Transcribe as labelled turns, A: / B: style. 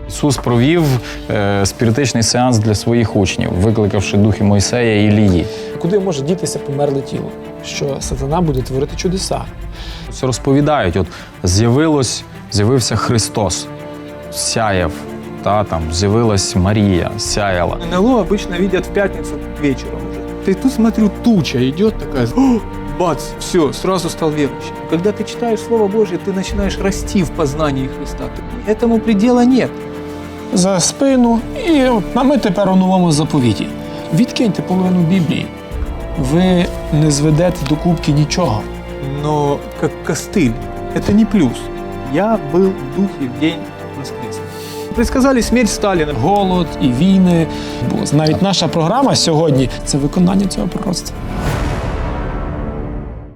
A: Ісус провів спіритичний сеанс для своїх учнів, викликавши духи Мойсея і Ілії.
B: Куди може дітися померле тіло? Що сатана буде творити чудеса.
A: Це розповідають, от з'явився Христос, сяяв, з'явилась Марія, сяяла.
C: НЛО обычно видят в пятницу вечером уже. Ты тут, смотрю, туча идет такая, бац, все, сразу стал верующим. Когда ты читаешь Слово Божье, ты начинаешь расти в познании Христа. Этому предела нет.
B: За спину. І ми тепер у новому заповіті. Відкиньте половину Біблії. Ви не зведете до кубки нічого.
C: Но как костыль, это не плюс. Я был в духе в день воскресения. Предсказали смерть Сталина.
B: Голод і війни. Навіть наша програма сьогодні – це виконання цього пророцтва.